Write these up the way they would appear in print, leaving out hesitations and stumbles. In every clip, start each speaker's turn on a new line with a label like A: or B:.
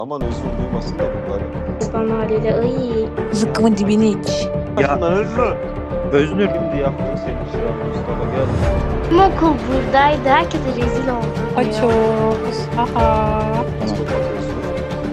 A: Aman özür duymasın da bunları.
B: Bana haliyle ay.
C: Zıkkımın dibini iç.
A: Başından özür.
D: Öznur.
A: Şimdi yaptın senin çırak Mustafa gel.
B: Tüm okul buradaydı. Herkese rezil oldum.
C: Açıyoruz. Aha.
A: Mustafa özür.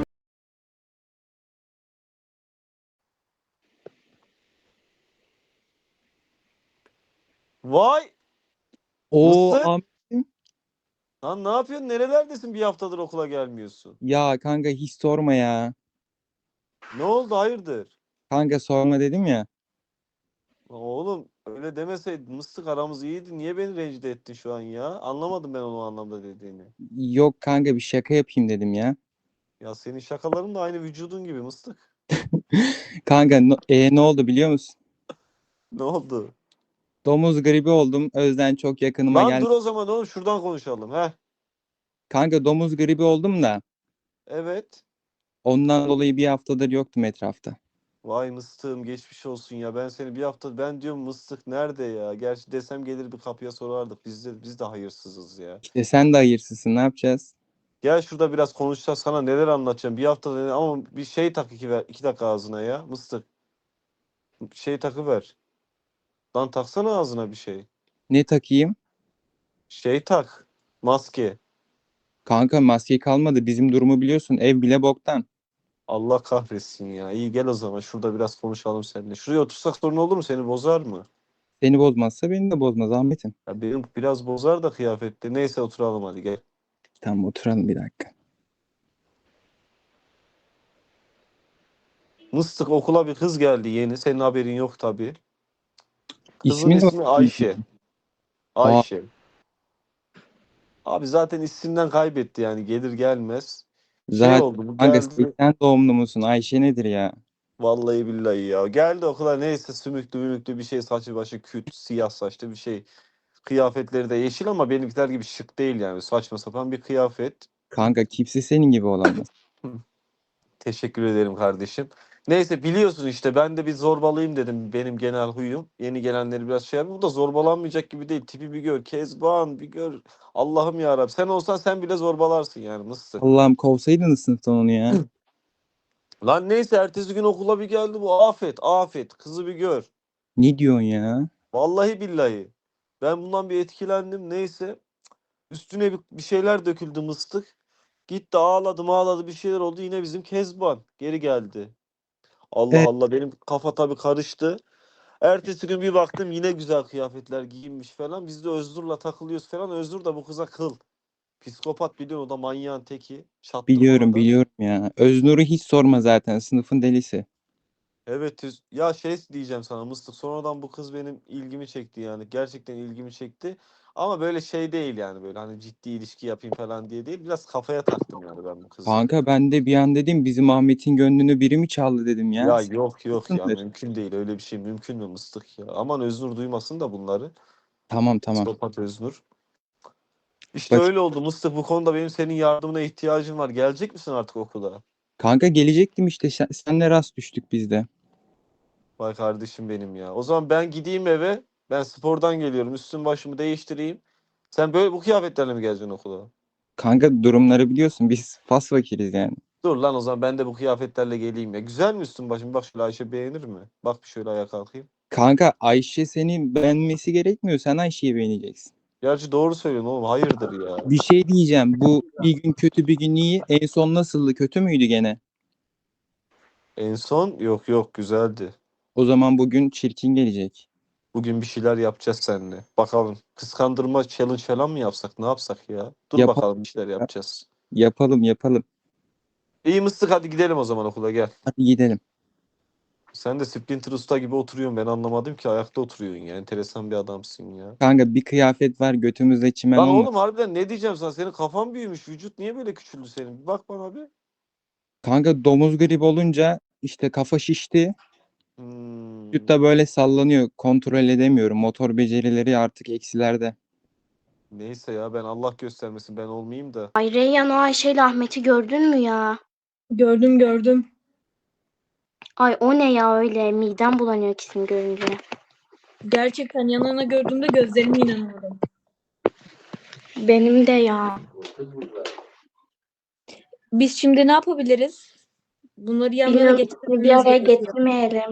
A: Vay!
D: O
A: Mısır?
D: Ahmet'im.
A: Lan ne yapıyorsun? Nerelerdesin? Bir haftadır okula gelmiyorsun.
D: Ya kanka hiç sorma ya.
A: Ne oldu? Hayırdır?
D: Kanka sorma dedim ya.
A: Oğlum öyle demeseydin. Mıstık aramız iyiydi. Niye beni rencide ettin şu an ya? Anlamadım ben onu o anlamda dediğini.
D: Yok kanka bir şaka yapayım dedim ya.
A: Ya senin şakaların da aynı vücudun gibi Mıstık.
D: Kanka ne oldu biliyor musun?
A: Ne oldu?
D: Domuz gribi oldum. Özden çok yakınıma
A: Lan
D: gel.
A: dur o zaman oğlum şuradan konuşalım. Heh.
D: Kanka domuz gribi oldum da
A: Evet.
D: ondan dolayı bir haftadır yoktum etrafta.
A: Vay mıstığım geçmiş olsun ya. Ben seni bir hafta ben diyorum mıstık nerede ya? Gerçi desem gelir bir kapıya sorardık. Biz de hayırsızız ya.
D: İşte sen de hayırsızsın, ne yapacağız?
A: Gel şurada biraz konuşacağız. Sana neler anlatacağım. Bir hafta ama bir şey tak iki dakika ağzına ya. Mıstık. Bir şey takıver. Lan taksana ağzına bir şey.
D: Ne takayım?
A: Şey tak. Maske.
D: Kanka maske kalmadı. Bizim durumu biliyorsun. Ev bile boktan.
A: Allah kahretsin ya. İyi gel o zaman. Şurada biraz konuşalım seninle. Şuraya otursak sorun olur mu? Seni bozar mı?
D: Seni bozmazsa beni de bozmaz Ahmet'im.
A: Ya benim biraz bozar da kıyafette. Neyse oturalım hadi gel.
D: Tamam oturalım bir dakika.
A: Mıstık okula bir kız geldi yeni. Senin haberin yok tabii. Kızın
D: İsmi ne?
A: ismi Ayşe.
D: Aa,
A: Ayşe. Abi zaten isimden kaybetti yani gelir gelmez. Şey
D: zaten
A: oldu bu
D: kanka
A: geldi.
D: 80 doğumlu musun? Ayşe nedir ya?
A: Vallahi billahi ya. Geldi okula neyse sümüklü mümüklü bir şey saçı başı küt siyah saçlı bir şey. Kıyafetleri de yeşil ama benimkiler gibi şık değil yani. Saçma sapan bir kıyafet.
D: Kanka kimse senin gibi olamaz.
A: Teşekkür ederim kardeşim. Neyse biliyorsun işte ben de bir zorbalıyım dedim. Benim genel huyum. Yeni gelenleri biraz şey yapayım. Bu da zorbalanmayacak gibi değil. Tipi bir gör. Kezban bir gör. Allah'ım yarabbim. Sen olsan sen bile zorbalarsın yani Mısır.
D: Allah'ım kovsaydınız sınıftan onu ya.
A: Lan neyse ertesi gün okula bir geldi bu afet afet. Kızı bir gör.
D: Ne diyorsun ya?
A: Vallahi billahi. Ben bundan bir etkilendim. Neyse. Üstüne bir şeyler döküldü mıstık. Gitti ağladı bir şeyler oldu. Yine bizim Kezban geri geldi. Allah
D: E,
A: Allah benim kafa tabii karıştı. Ertesi gün bir baktım yine güzel kıyafetler giyinmiş falan. Biz de Öznur'la takılıyoruz falan. Öznur da bu kıza kıl. Psikopat biliyorsun o da manyağın teki.
D: biliyorum
A: Çattırmadan.
D: biliyorum ya. Öznur'u hiç sorma zaten. Sınıfın delisi.
A: Evet ya şey diyeceğim sana Mıstık. Sonradan bu kız benim ilgimi çekti yani. Gerçekten ilgimi çekti. Ama böyle şey değil yani böyle hani ciddi ilişki yapayım falan diye değil. Biraz kafaya taktım yani ben bu kızı.
D: Kanka ben de bir an dedim bizim Ahmet'in gönlünü biri mi çaldı dedim ya.
A: Ya yok ya
D: Sınıftır.
A: mümkün değil öyle bir şey mümkün mü Mıstık ya. Aman Öznur duymasın da bunları.
D: Tamam tamam.
A: Psikopat Öznur. İşte
D: Bak
A: öyle oldu Mıstık bu konuda benim senin yardımına ihtiyacım var. Gelecek misin artık okula?
D: kanka gelecektim işte. Senle rast düştük biz de.
A: Vay kardeşim benim ya. O zaman ben gideyim eve. Ben spordan geliyorum. Üstüm başımı değiştireyim. Sen böyle bu kıyafetlerle mi geleceksin okula?
D: Kanka durumları biliyorsun. Biz fas fakiriz yani.
A: Dur lan o zaman ben de bu kıyafetlerle geleyim ya. Güzel mi üstüm başım? Bak şöyle Ayşe beğenir mi? Bak bir şöyle ayağa kalkayım.
D: Kanka Ayşe seni beğenmesi gerekmiyor. Sen Ayşe'yi beğeneceksin.
A: Gerçi doğru söylüyorsun oğlum. Hayırdır ya.
D: Bir şey diyeceğim. Bu bir gün kötü bir gün iyi. En son nasıldı? Kötü müydü gene?
A: En son yok güzeldi.
D: O zaman bugün çirkin gelecek.
A: Bugün bir şeyler yapacağız seninle. Bakalım. Kıskandırma challenge falan mı yapsak? Ne yapsak ya? Dur
D: Yapalım.
A: bakalım bir şeyler yapacağız.
D: Yapalım yapalım.
A: İyi mıstık hadi gidelim o zaman okula gel.
D: Hadi gidelim.
A: Sen de Splinter Usta gibi oturuyorsun. Ben anlamadım ki ayakta oturuyorsun ya. Enteresan bir adamsın ya.
D: Kanka bir kıyafet var götümüzde çimen
A: Lan
D: olma.
A: oğlum harbiden ne diyeceğim sana? Senin kafan büyümüş. Vücut niye böyle küçüldü senin? Bir bak bana bir.
D: Kanka domuz gribi olunca işte kafa şişti. Vücut
A: Hmm.
D: da böyle sallanıyor. Kontrol edemiyorum. Motor becerileri artık eksilerde.
A: Neyse ya ben Allah göstermesin ben olmayayım da.
B: Ay Reyhan o Ayşe ile Ahmet'i gördün mü ya?
E: Gördüm.
B: Ay o ne ya öyle midem bulanıyor ikisini görünce.
E: Gerçekten yan yana gördüğümde gözlerime inanamadım.
B: Benim de ya.
E: Biz şimdi ne yapabiliriz? Bunları yanlarına
B: Bilmiyorum, ikisini bir
E: getirmemiz
B: araya
E: gerekiyor.
B: getirmeyelim.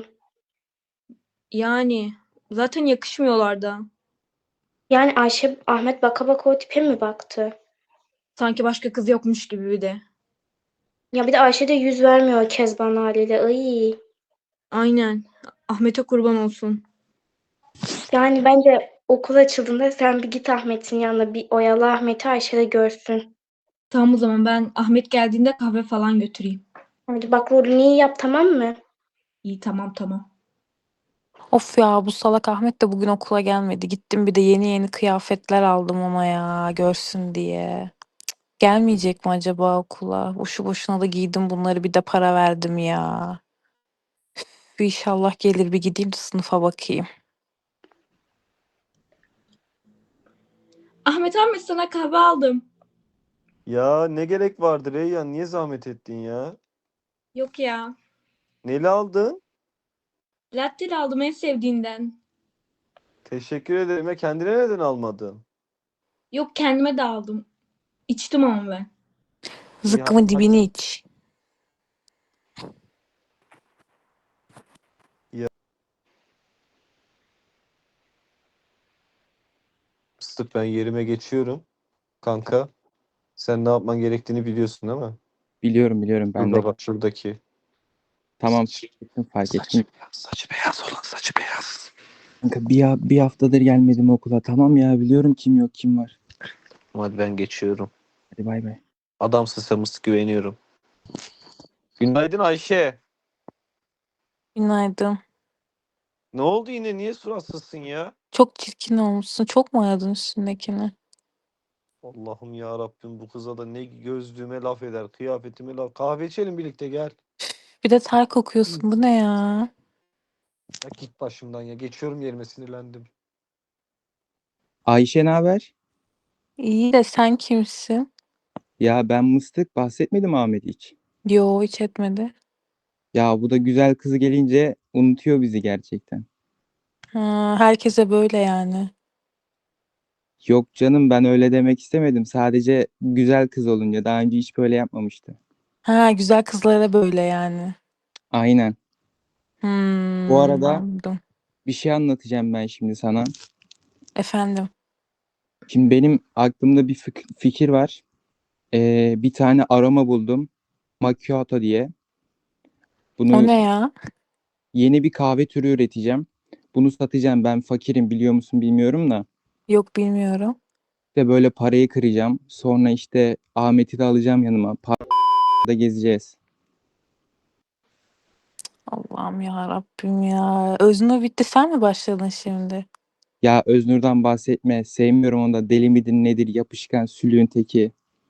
E: Yani zaten yakışmıyorlar da.
B: Yani Ayşe, Ahmet baka baka o tipe mi baktı?
E: Sanki başka kız yokmuş gibi bir de.
B: Ya bir de Ayşe de yüz vermiyor Kezban haliyle. Ay.
E: Aynen. Ahmet'e kurban olsun.
B: Yani bence okul açıldığında sen bir git Ahmet'in yanına, bir oyalı Ahmet'i Ayşe de görsün.
E: Tamam o zaman ben Ahmet geldiğinde kahve falan götüreyim.
B: Hadi bak, rolünü iyi yap, tamam mı?
E: İyi tamam.
C: Of ya, bu salak Ahmet de bugün okula gelmedi. Gittim bir de yeni yeni kıyafetler aldım ona ya, görsün diye. Gelmeyecek mi acaba okula? Boşu boşuna da giydim bunları, bir de para verdim ya. Bir inşallah gelir, bir gideyim de sınıfa bakayım.
E: Ahmet sana kahve aldım.
A: Ya ne gerek vardı Reyyan? Niye zahmet ettin ya?
E: Yok ya.
A: Neli aldın?
E: Latte aldım en sevdiğinden.
A: Teşekkür ederim. Ya kendine neden almadın?
E: Yok kendime de aldım. İçtim ama ben.
A: İyi hadi
C: Zıkkımın dibini iç.
A: Mıstık, ben yerime geçiyorum. Kanka, sen ne yapman gerektiğini biliyorsun değil mi?
D: Biliyorum ben de.
A: Şurada bak, şuradaki.
D: Tamam, fark ettim.
A: Saçı beyaz olan, saçı beyaz.
D: Kanka bir haftadır gelmedim okula. Tamam ya, biliyorum kim yok kim var.
A: Hadi ben geçiyorum.
D: Hadi bay bay.
A: Adamsın sen Mıstık, güveniyorum. Günaydın Ayşe.
C: Günaydın.
A: Ne oldu yine? Niye suratsızsın ya?
C: Çok çirkin olmuşsun. Çok mu aradın üstündekini?
A: Allah'ım ya Rabbim, bu kıza da ne gözlüğüme laf eder, kıyafetime laf. Kahve içelim birlikte, gel.
C: Bir de ter kokuyorsun. Bu ne ya?
A: Ya git başımdan ya. Geçiyorum yerime, sinirlendim.
D: Ayşe ne haber?
C: İyi de sen kimsin?
D: Ya ben Mıstık, bahsetmedim Ahmet hiç.
C: Yo, hiç etmedi.
D: Ya bu da güzel kızı gelince unutuyor bizi gerçekten.
C: Ha, herkese böyle yani.
D: Yok canım, ben öyle demek istemedim. Sadece güzel kız olunca daha önce hiç böyle yapmamıştı.
C: Ha, güzel kızlara böyle yani.
D: Aynen. Bu arada
C: Anladım.
D: bir şey anlatacağım ben şimdi sana.
C: Efendim.
D: Şimdi benim aklımda bir fikir var. Bir tane aroma buldum. Macchiato diye.
C: O
D: Bunu
C: ne ya?
D: yeni bir kahve türü üreteceğim. Bunu satacağım. Ben fakirim, biliyor musun bilmiyorum da.
C: Yok, bilmiyorum.
D: İşte böyle parayı kıracağım. Sonra işte Ahmet'i de alacağım yanıma. Parkta gezeceğiz.
C: Allah'ım ya Rabbim ya. Öznur bitti, sen mi başladın şimdi?
D: Ya Öznur'dan bahsetme. Sevmiyorum onu da. Deli midir nedir? Yapışkan sülüğün teki.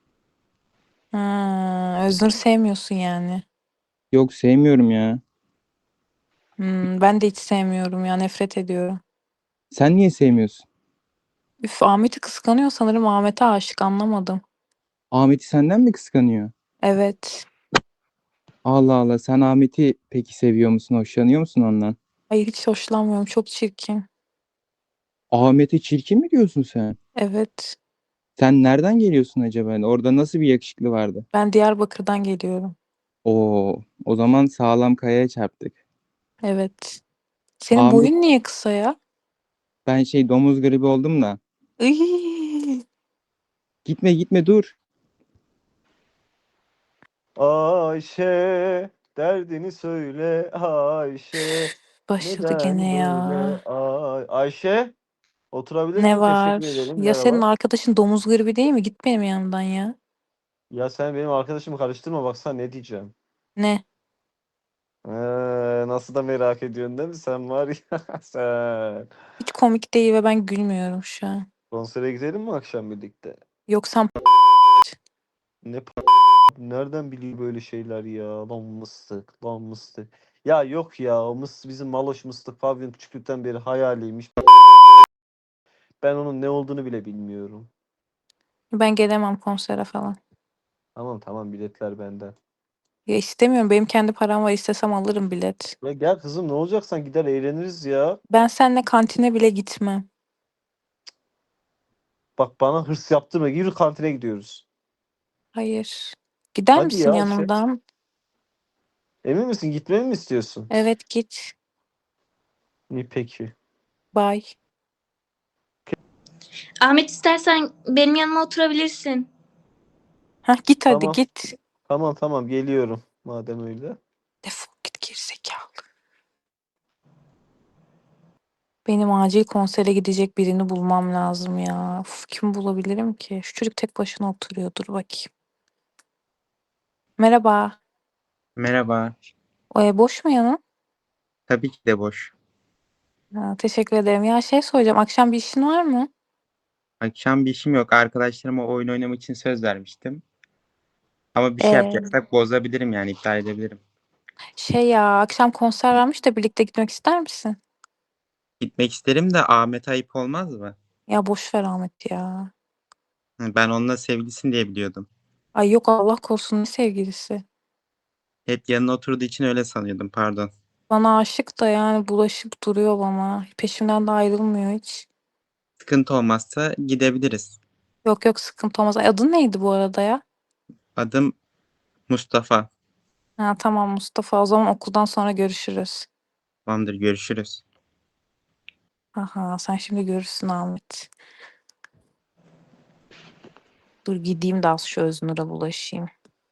C: Ha, Öznur sevmiyorsun yani.
D: Yok, sevmiyorum ya.
C: Ben de hiç sevmiyorum ya, nefret ediyorum.
D: Sen niye sevmiyorsun?
C: Üf, Ahmet'i kıskanıyor sanırım, Ahmet'e aşık, anlamadım.
D: Ahmet'i senden mi kıskanıyor?
C: Evet.
D: Allah Allah, sen Ahmet'i peki seviyor musun? Hoşlanıyor musun ondan?
C: Hayır, hiç hoşlanmıyorum, çok çirkin.
D: Ahmet'e çirkin mi diyorsun sen?
C: Evet.
D: Sen nereden geliyorsun acaba? Orada nasıl bir yakışıklı vardı?
C: Ben Diyarbakır'dan geliyorum.
D: Oo, o zaman sağlam kayaya çarptık.
C: Evet. Senin
D: Ahmet,
C: boyun niye kısa ya?
D: ben domuz gribi oldum da.
C: Iy,
D: Gitme dur.
A: Ayşe, derdini söyle Ayşe.
C: başladı gene
A: Neden
C: ya.
A: böyle? Ayşe,
C: Ne
A: oturabilirsin. Teşekkür
C: var?
A: ederim.
C: Ya senin
A: Merhaba.
C: arkadaşın domuz gribi değil mi? Git benim yanımdan ya.
A: Ya sen benim arkadaşımı karıştırma, baksana ne diyeceğim.
C: Ne?
A: Nasıl da merak ediyorsun değil mi? Sen var ya sen.
C: Hiç komik değil ve ben gülmüyorum şu an.
A: Konsere gidelim mi akşam birlikte?
C: Yok sen
A: Ne nereden biliyor böyle şeyler ya? Lan mıstık, lan mıstık. Ya yok ya, o bizim Maloş Mıstık Pavyon küçüklükten beri hayaliymiş. Ben onun ne olduğunu bile bilmiyorum.
C: ben gelemem konsere falan.
A: Tamam tamam, biletler benden.
C: Ya istemiyorum, benim kendi param var, istesem alırım bilet.
A: Ya gel kızım, ne olacaksan gider eğleniriz ya.
C: Ben seninle kantine bile gitmem.
A: Bak bana hırs yaptırma. Yürü, kantine gidiyoruz.
C: Hayır. Gider
A: Hadi
C: misin
A: ya Ayşe.
C: yanımdan?
A: Emin misin? Gitmemi mi istiyorsun?
C: Evet git.
A: İyi peki.
C: Bye.
E: Ahmet istersen benim yanıma oturabilirsin.
C: Hah git hadi
A: Tamam.
C: git.
A: Tamam geliyorum. Madem öyle.
C: Defol git gerizekalı. Benim acil konsere gidecek birini bulmam lazım ya. Uf, kim bulabilirim ki? Şu çocuk tek başına oturuyor. Dur bakayım. Merhaba.
D: Merhaba.
C: Boş mu yanın?
D: Tabii ki de boş.
C: Ha, teşekkür ederim. Ya şey soracağım. Akşam bir işin var mı?
D: Akşam bir işim yok. Arkadaşlarıma oyun oynamak için söz vermiştim. Ama bir şey
C: Ee,
D: yapacaksak bozabilirim yani iptal edebilirim.
C: Şey ya akşam konser varmış da birlikte gitmek ister misin?
D: Gitmek isterim de Ahmet ayıp olmaz mı?
C: Ya boş ver Ahmet ya.
D: Ben onunla sevgilisin diye biliyordum.
C: Ay yok Allah korusun ne sevgilisi.
D: Hep yanına oturduğu için öyle sanıyordum pardon.
C: Bana aşık da yani bulaşıp duruyor bana. Peşimden de ayrılmıyor hiç.
D: Sıkıntı olmazsa gidebiliriz.
C: Yok yok sıkıntı olmaz. Ay, adın neydi bu arada ya?
D: Adım Mustafa.
C: Ha, tamam Mustafa. O zaman okuldan sonra görüşürüz.
D: Tamamdır görüşürüz.
C: Aha sen şimdi görürsün Ahmet. Dur gideyim de az şu Öznur'a bulaşayım.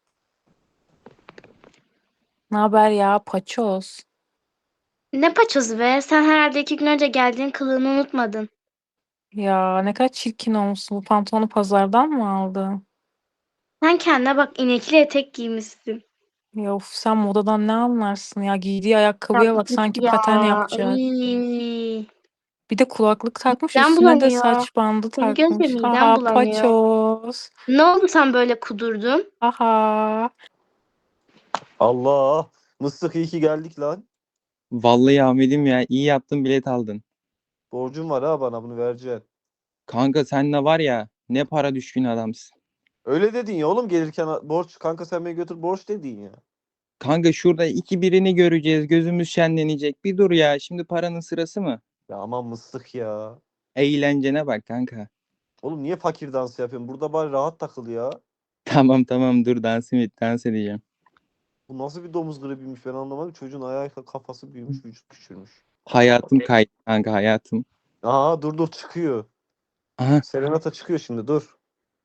C: Ne haber ya paçoz?
B: Ne paçozu be? Sen herhalde 2 gün önce geldiğin kılığını unutmadın.
C: Ya ne kadar çirkin olmuşsun. Bu pantolonu pazardan mı aldın?
B: Sen kendine bak, inekli etek giymişsin.
C: Ya of, sen modadan ne anlarsın ya? Giydiği
B: Ya
C: ayakkabıya bak
B: git
C: sanki
B: ya.
C: paten yapacak.
B: Iy.
C: Bir de kulaklık takmış
B: Midem
C: üstüne de
B: bulanıyor.
C: saç bandı
B: Seni görünce
C: takmış.
B: midem
C: Haha
B: bulanıyor.
C: paçoz.
B: Ne oldu sen böyle kudurdun?
C: Haha.
A: Allah. Mıstık iyi ki geldik lan.
D: Vallahi Ahmet'im ya iyi yaptın bilet aldın.
A: Borcun var ha bana bunu vereceksin.
D: Kanka sen de var ya ne para düşkün adamsın.
A: Öyle dedin ya oğlum gelirken borç kanka sen beni götür borç dedin ya.
D: Kanka şurada iki birini göreceğiz gözümüz şenlenecek. Bir dur ya şimdi paranın sırası mı?
A: Ya aman mıstık ya.
D: Eğlencene bak kanka.
A: Oğlum niye fakir dansı yapıyorsun? Burada bari rahat takıl ya.
D: Tamam dur dans edeceğim.
A: Bu nasıl bir domuz gribiymiş ben anlamadım. Çocuğun ayağı kafası büyümüş, vücut küçülmüş.
D: Hayatım kaydı kanka hayatım.
A: Aha dur çıkıyor.
D: Aha
A: Serenata çıkıyor şimdi dur.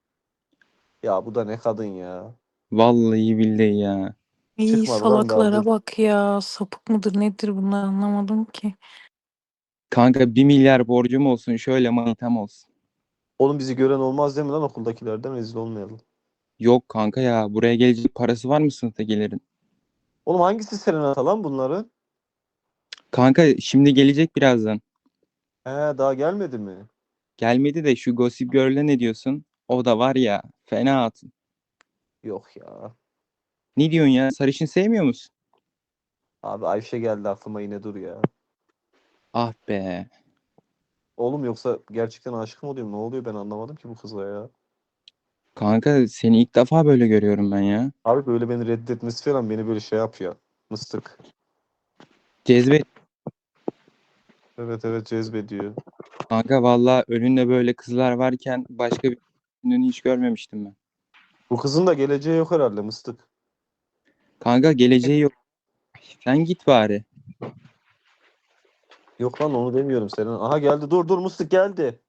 A: Ya bu da ne kadın ya.
D: vallahi billahi ya.
C: İyi
A: Çıkmadı lan daha
C: salaklara
A: dur.
C: bak ya. Sapık mıdır nedir bunlar anlamadım ki.
D: Kanka 1 milyar borcum olsun şöyle manitam olsun.
A: Oğlum bizi gören olmaz değil mi lan okuldakilerden rezil olmayalım.
D: Yok kanka ya buraya gelecek parası var mı sınıftakilerin?
A: Oğlum hangisi Serenata lan bunların?
D: Kanka şimdi gelecek birazdan.
A: He daha gelmedi mi?
D: Gelmedi de şu Gossip Girl'e ne diyorsun? O da var ya fena hatun.
A: Yok ya.
D: Ne diyorsun ya sarışın sevmiyor musun?
A: Abi Ayşe geldi aklıma yine dur ya.
D: Ah be.
A: Oğlum yoksa gerçekten aşık mı oluyorum? Ne oluyor ben anlamadım ki bu kıza ya.
D: Kanka seni ilk defa böyle görüyorum ben ya.
A: Abi böyle beni reddetmesi falan beni böyle şey yapıyor. Mıstık.
D: Cezbet.
A: Evet cezbediyor.
D: Kanka valla önünde böyle kızlar varken başka bir ünlünü hiç görmemiştim ben.
A: Bu kızın da geleceği yok herhalde mıstık.
D: Kanka geleceği yok. Sen git bari.
A: Yok lan onu demiyorum senin. Aha geldi dur mıstık geldi.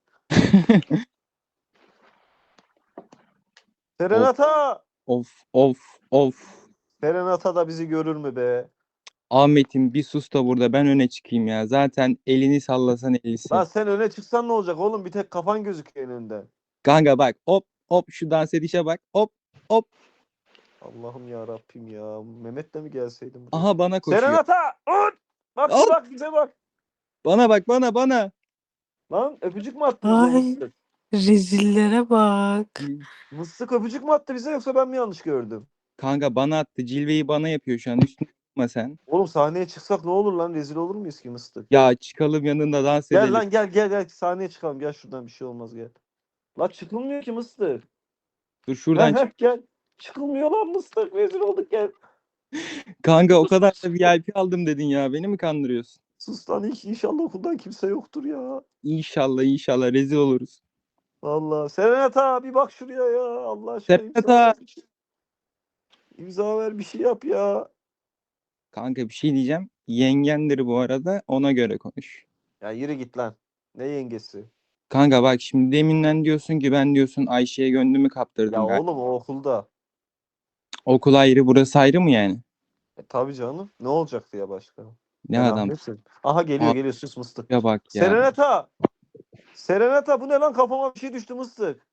D: Of
A: Serenata!
D: of.
A: Serenata da bizi görür mü be?
D: Ahmet'im bir sus da burada ben öne çıkayım ya. Zaten elini sallasan
A: Lan
D: elisi.
A: sen öne çıksan ne olacak oğlum? Bir tek kafan gözüküyor önünde.
D: Kanka bak hop şu dans edişe bak hop.
A: Allah'ım ya Rabbim ya. Mehmet'le mi gelseydim buraya?
D: Aha bana koşuyor.
A: Serenata! Ut! Bak
D: Hop
A: bak bize bak.
D: bana bak bana.
A: Lan öpücük mü attı bize
C: Ay
A: mıstık?
C: rezillere bak.
A: Mıstık öpücük mü attı bize yoksa ben mi yanlış gördüm?
D: Kanka bana attı cilveyi bana yapıyor şu an üstüne tutma sen.
A: Oğlum sahneye çıksak ne olur lan? Rezil olur muyuz ki mıstık?
D: Ya çıkalım yanında dans
A: Gel
D: edelim.
A: lan gel sahneye çıkalım. Gel şuradan bir şey olmaz gel. Lan çıkılmıyor ki mıstık.
D: Dur şuradan çık.
A: Gel. Çıkılmıyor lan mıstık. Rezil olduk gel.
D: Kanka o kadar da VIP aldım dedin ya beni mi kandırıyorsun?
A: Sus lan inşallah okuldan kimse yoktur ya.
D: İnşallah rezil oluruz.
A: Vallahi Serenata bir bak şuraya ya. Allah aşkına
D: Serenata.
A: imza. İmza ver, bir şey yap ya.
D: Kanka bir şey diyeceğim. Yengendir bu arada, ona göre konuş.
A: Ya yürü git lan. Ne yengesi?
D: Kanka bak şimdi deminden diyorsun ki ben diyorsun Ayşe'ye gönlümü
A: Ya
D: kaptırdım galiba.
A: oğlum o okulda.
D: Okul ayrı, burası ayrı mı yani?
A: Tabii canım. Ne olacaktı ya başka?
D: Ne
A: Ben
D: adam
A: Ahmet'im. Aha geliyor sus mıstık.
D: ya bak ya.
A: Serenata. Serenata bu ne lan, kafama bir şey düştü mıstık.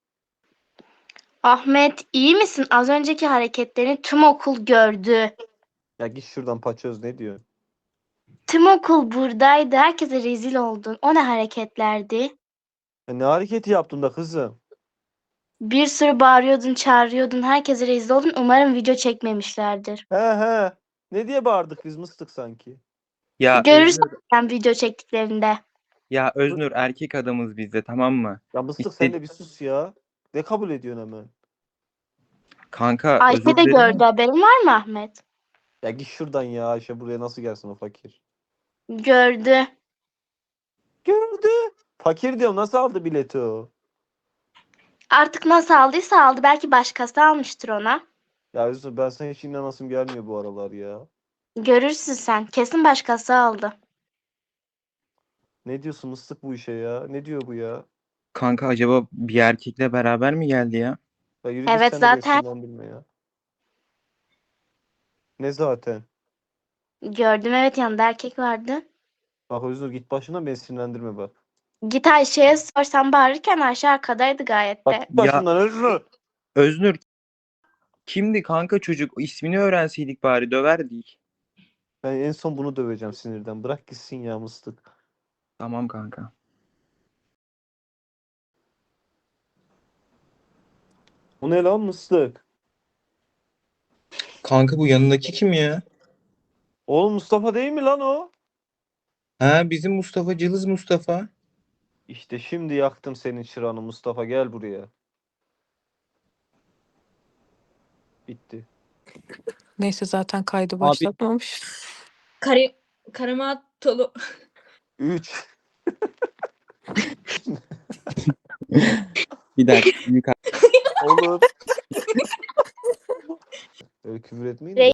B: Ahmet iyi misin? Az önceki hareketlerini tüm okul gördü.
A: Ya git şuradan paçöz, ne diyor?
B: Tüm okul buradaydı. Herkese rezil oldun. O ne hareketlerdi?
A: Ya ne hareketi yaptın da kızım?
B: Bir sürü bağırıyordun, çağırıyordun. Herkese rezil oldun. Umarım video çekmemişlerdir.
A: He. Ne diye bağırdık biz mıstık sanki?
D: Ya
B: Görürsün
D: Öznur,
B: sen video çektiklerinde.
D: ya Öznur erkek adamız biz de, tamam mı?
A: Ya mıstık
D: İşte-
A: sen de bir sus ya. Ne kabul ediyorsun hemen?
D: Kanka
B: Ayşe
D: özür
B: de
D: dilerim.
B: gördü. Haberin var mı Ahmet?
A: Ya git şuradan ya, Ayşe buraya nasıl gelsin o fakir?
B: Gördü.
A: Gördü. Fakir diyorum, nasıl aldı bileti o?
B: Artık nasıl aldıysa aldı. Belki başkası almıştır ona.
A: Ya Yusuf, ben sana hiç inanasım gelmiyor bu aralar ya.
B: Görürsün sen. Kesin başkası aldı.
A: Ne diyorsun mıstık bu işe ya? Ne diyor bu ya?
D: Kanka acaba bir erkekle beraber mi geldi ya?
A: Ya yürü git
B: Evet,
A: sen de beni
B: zaten.
A: sinirlendirme ya. Ne zaten?
B: Gördüm, evet, yanında erkek vardı.
A: Bak Özgür, git başına, beni sinirlendirme bak.
B: Git Ayşe'ye sor, sen bağırırken Ayşe arkadaydı gayet
A: Bak
B: de.
A: git başımdan Özgür.
D: Öznur kimdi kanka çocuk? İsmini öğrenseydik bari, döverdik.
A: Ben en son bunu döveceğim sinirden. Bırak gitsin ya mıstık.
D: Tamam kanka.
A: Bu ne lan mıstık?
D: Kanka bu yanındaki kim ya?
A: Oğlum Mustafa değil mi lan o?
D: Ha, bizim Mustafa, Cılız Mustafa.
A: İşte şimdi yaktım senin çırağını Mustafa, gel buraya. Bitti.
C: Neyse zaten kaydı
D: Abi-
C: başlatmamış.
E: Karamatolu.
A: 3.
D: Bir dakika. Büyük
A: Olur. Öyle küfür etmeyin de.